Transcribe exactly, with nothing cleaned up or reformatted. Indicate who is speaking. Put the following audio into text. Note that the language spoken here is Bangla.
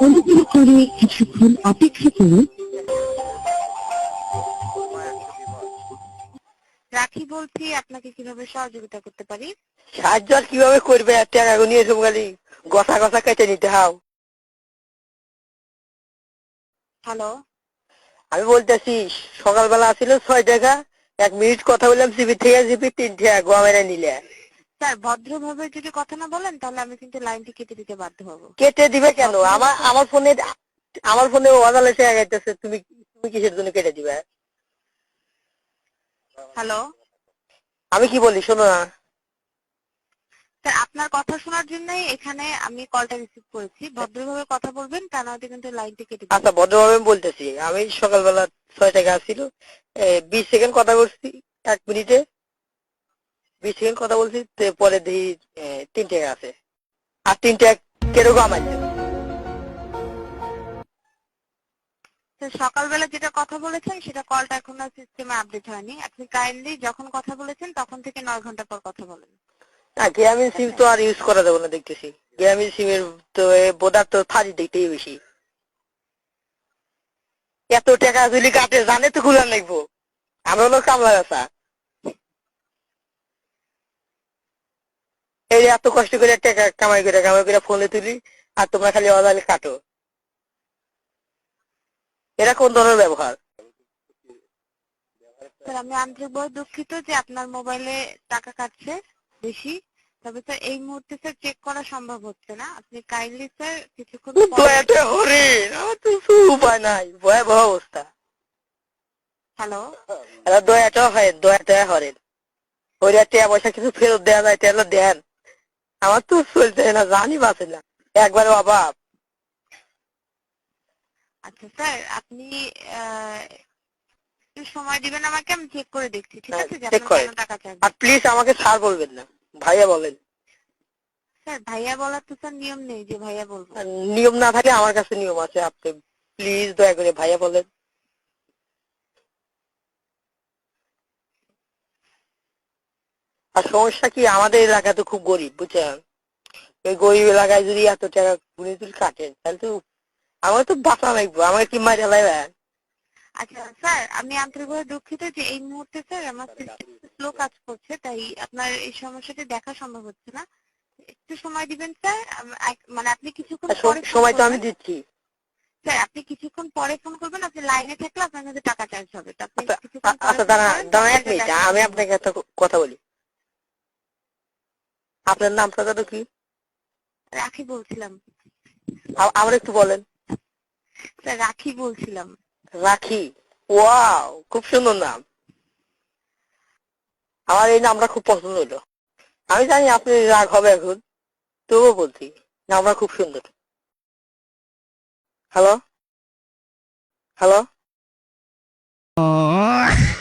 Speaker 1: অনুগ্রহ করে কিছুক্ষণ অপেক্ষা করুন। রাখি বলছি, আপনাকে কিভাবে সহযোগিতা করতে পারি?
Speaker 2: সাহায্য আর কিভাবে করবে? টাকা নিয়ে এসব খালি গসা গসা কেটে নিতে হাও।
Speaker 1: হ্যালো,
Speaker 2: আমি বলতেছি, সকালবেলা ছিল ছয় টাকা, এক মিনিট কথা বললাম জিবি থেকে জিবি তিন টাকা গোয়া মেরে নিলে।
Speaker 1: স্যার ভদ্রভাবে যদি কথা না বলেন তাহলে আমি কিন্তু লাইনটি কেটে দিতে বাধ্য হব।
Speaker 2: কেটে দিবে কেন? আমার আমার ফোনে আমার ফোনে ওয়াদালে টাকা গাইতেছে, তুমি তুমি কিসের জন্য কেটে দিবে?
Speaker 1: হ্যালো
Speaker 2: আমি কি বলি শোনো না।
Speaker 1: স্যার, আপনার কথা শোনার জন্যই এখানে আমি কলটা রিসিভ করেছি। ভদ্রভাবে কথা বলবেন, তা নয়তো কিন্তু লাইনটি কেটে দিবে।
Speaker 2: আচ্ছা ভদ্রভাবে আমি বলতেছি, আমি সকালবেলা ছয় টাকা ছিল, বিশ সেকেন্ড কথা বলছি, এক মিনিটে বিশ সেকেন্ড কথা বলছি, তো পরে দেখি আহ, তিন টাকা আছে। আর তিন টাকা কিরকম আমার
Speaker 1: স্যার সকালবেলা যেটা কথা বলেছেন সেটা কলটা এখনো সিস্টেমে আপডেট হয়নি। আপনি কাইন্ডলি যখন কথা বলেছেন তখন থেকে নয় ঘন্টা পর কথা বলেন।
Speaker 2: না, গ্রামীণ সিম তো আর ইউজ করা যাবে না দেখতেছি। গ্রামীণ সিমের তো বোধার তো থার্টি দেখতেই বেশি। এত টাকা যদি কাটে জানে তো খুলে লাগবো। আমরা হলো কামলা গাছা, এই এত কষ্ট করে টাকা কামাই করে কামাই করে ফোনে তুলি, আর তোমরা খালি অজালে কাটো। এরা কোন ধরনের ব্যবহার?
Speaker 1: স্যার আমি আন্তরিকভাবে দুঃখিত যে আপনার মোবাইলে টাকা কাটছে বেশি। তবে স্যার এই মুহূর্তে স্যার চেক করা সম্ভব হচ্ছে না। আপনি কাইন্ডলি স্যার কিছুক্ষণ পরে।
Speaker 2: দয়াতে হরিণ, আমার তো উপায় নাই, ভয়াবহ অবস্থা।
Speaker 1: হ্যালো
Speaker 2: এরা দয়াটাও হয়, দয়াটা হরেন ওই টাকা পয়সা কিছু ফেরত দেওয়া যায় তাহলে দেন। আমার তো চলছে না, জানি বাঁচে না, একবারে অভাব।
Speaker 1: আচ্ছা স্যার, আপনি আহ, একটু সময় দিবেন আমাকে, আমি চেক করে দেখছি, ঠিক আছে, যে
Speaker 2: চেক
Speaker 1: আপনার
Speaker 2: করেন।
Speaker 1: কেন টাকা চাই।
Speaker 2: আর প্লিজ আমাকে স্যার বলবেন না, ভাইয়া বলেন।
Speaker 1: স্যার ভাইয়া বলার তো স্যার নিয়ম নেই যে ভাইয়া বলবো।
Speaker 2: আর নিয়ম না থাকে আমার কাছে নিয়ম আছে, আপনি প্লিজ দয়া করে ভাইয়া বলেন। আর সমস্যা কি, আমাদের এলাকা তো খুব গরিব বুঝছেন। এই গরিব এলাকায় যদি এত টাকা গুনে তুল কাটেন তাহলে তো আমার তো বাঁচা লাগবে, আমাকে কি মাইরা লাইবেন?
Speaker 1: আচ্ছা স্যার, আমি আন্তরিকভাবে দুঃখিত যে এই মুহূর্তে স্যার আমার স্লো কাজ করছে, তাই আপনার এই সমস্যাটি দেখা সম্ভব হচ্ছে না। একটু সময় দিবেন স্যার, আম- এক- মানে আপনি কিছুক্ষণ পরে ফোন
Speaker 2: সময় তো আমি
Speaker 1: করবেন।
Speaker 2: দিচ্ছি।
Speaker 1: স্যার আপনি কিছুক্ষণ পরে ফোন করবেন, আপনি লাইনে থাকলে আপনার কাছে টাকা চার্জ হবে, তো আপনি
Speaker 2: আচ্ছা
Speaker 1: কিছুক্ষণ
Speaker 2: আ-
Speaker 1: পরে
Speaker 2: আচ্ছা
Speaker 1: ফোন
Speaker 2: দাঁড়া
Speaker 1: করেন,
Speaker 2: দাঁড়া
Speaker 1: তাহলে
Speaker 2: এক
Speaker 1: এটা
Speaker 2: মিনিট,
Speaker 1: দেখা
Speaker 2: আমি
Speaker 1: সম্ভব
Speaker 2: আপনাকে
Speaker 1: হবে।
Speaker 2: একটা ক- কথা বলি। আপনার নামটা তো কি?
Speaker 1: রাখি বলছিলাম।
Speaker 2: আ- আবার একটু বলেন।
Speaker 1: স্যার রাখি বলছিলাম।
Speaker 2: রাখি, ওয়াও খুব সুন্দর নাম। আমার এই নামটা খুব পছন্দ হলো। আমি জানি আপনি রাগ হবে এখন, তবুও বলছি নামটা খুব সুন্দর। Hello hello